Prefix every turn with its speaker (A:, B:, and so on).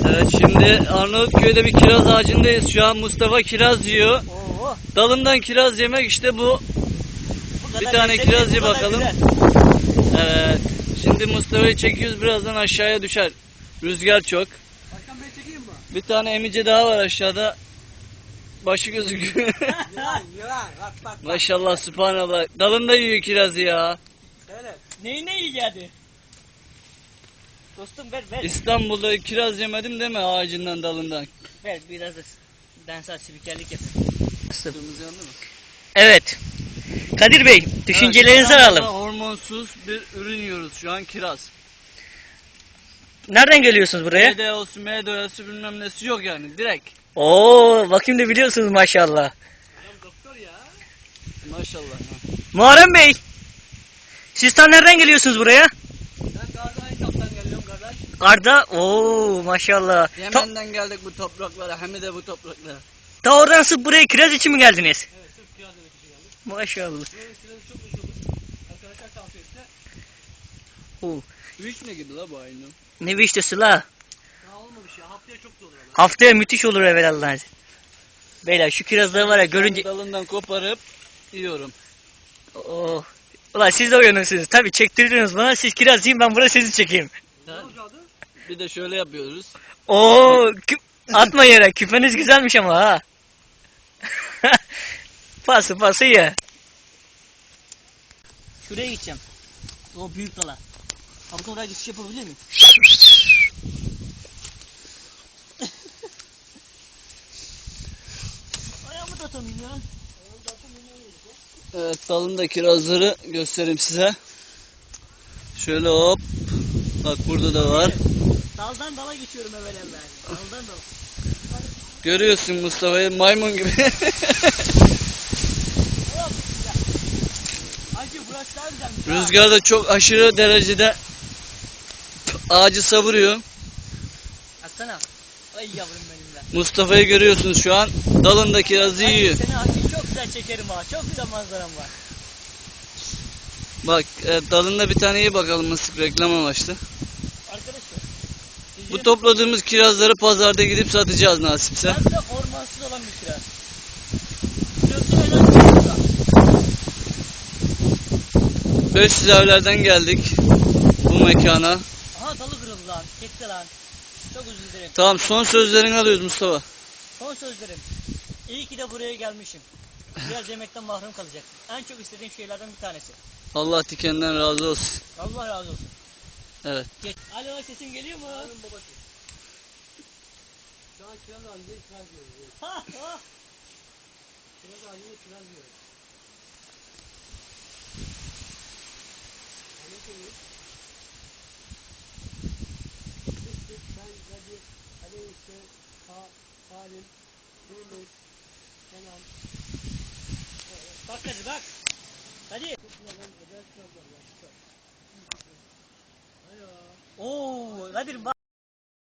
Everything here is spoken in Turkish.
A: Evet, şimdi Arnavutköy'de bir kiraz ağacındayız. Şu an Mustafa kiraz yiyor.
B: Oo,
A: Dalından kiraz yemek işte bu.
B: bu
A: Bir
B: kadar
A: tane
B: lezzetli,
A: kiraz
B: bu
A: ye
B: kadar
A: bakalım.
B: güzel.
A: Evet. Şimdi Mustafa'yı çekiyoruz, birazdan aşağıya düşer. Rüzgar çok.
C: Başkan Bey çekeyim mi?
A: Bir tane emice daha var aşağıda. Başı gözüküyor.
C: Yılan bak bak.
A: Maşallah, subhanallah. Dalında yiyor kirazı ya.
C: Evet.
B: Neyi yiyeceğdi? Dostum ver.
A: İstanbul'da kiraz yemedim deme ağacından, dalından.
B: Ver biraz da dansal spikerlik yap.
A: Kırmızı yandı mı?
B: Evet. Kadir Bey, düşüncelerinizi
A: Evet,
B: alalım.
A: İstanbul'da hormonsuz bir ürün yiyoruz şu an, kiraz.
B: Nereden geliyorsunuz buraya?
A: MDO'su, MDO'su bilmem nesi yok yani, direkt.
B: Oo, bakayım da biliyorsunuz maşallah.
C: Adam doktor ya.
A: Maşallah.
B: Muharrem Bey, siz tam nereden geliyorsunuz buraya?
C: Ben Gaziantep'ten geliyorum kardeş.
B: Arda, oo maşallah.
A: Yemen'den geldik bu topraklara, hem de bu topraklara.
B: Ta oradan sırf buraya kiraz için mi geldiniz?
C: Evet sırf kiraz demek için geldik.
B: Maşallah.
C: Buranın kirazı çok meşhurdur. Arkadaşlar tavsiye etti.
B: Oo,
A: Büyük ne gibi la bu aynı?
B: ne vişnesi la?
C: Daha olmamış ya. Haftaya çok da olur ama.
B: Haftaya müthiş olur evvelallah. Beyler şu kirazları var ya görünce...
A: Dalından koparıp yiyorum.
B: Oh. Ulan siz de uyanırsınız. Tabii çektiriyorsunuz bana. Siz kiraz yiyin, ben burada sizi çekeyim.
C: Ne olacaktı?
A: Bir de şöyle yapıyoruz.
B: Oo, atma yere. Küpeniz güzelmiş ama ha. Pası ye. Şuraya gideceğim. O büyük dala. Abi oraya geçiş yapabilir miyim? Ayağımı da atamayayım ya.
A: Evet, dalında kirazları göstereyim size. Şöyle hop. Bak burada da var.
B: Daldan dala geçiyorum evvelallah. Daldan dala.
A: Görüyorsun Mustafa'yı, maymun gibi.
B: Hacı burası daha güzelmiş.
A: Rüzgar da çok aşırı derecede ağacı savuruyor.
B: Atsana. Ay yavrum benim de.
A: Mustafa'yı görüyorsunuz şu an. Dalında kirazı yiyor.
B: Seni hacı çok güzel çekerim ha. Çok güzel manzaram var.
A: Bak, dalında bir tane iyi bakalım, nasıl reklam amaçlı.
B: Arkadaşlar.
A: Bu topladığımız kirazları pazarda gidip satacağız nasipse.
B: Ben de ormansız olan bir kiraz. Kilosu öyle burada.
A: 500 evlerden geldik bu mekana.
B: Aha dalı kırıldı lan. Gitti lan. Çok özür dilerim.
A: Tamam, son sözlerini alıyoruz Mustafa.
B: Son sözlerim. İyi ki de buraya gelmişim. Biraz yemekten mahrum kalacaktım. En çok istediğim şeylerden bir tanesi.
A: Allah dikenden razı olsun.
B: Allah razı olsun.
A: Evet.
B: Geç. Alo, sesim geliyor mu?
C: Hanım babası. Şu an kiraz halinde kiraz yiyoruz.
B: Ha ha.
C: Kiraz halinde kiraz yiyoruz. Anlatıyoruz. Biz ben Kadir, Ali Usta, Salim, Yunus, Kenan.
B: Bak hadi bak. Hadi.
C: Kirazdan özel kirazlar var.
B: Oo, Kadir bak.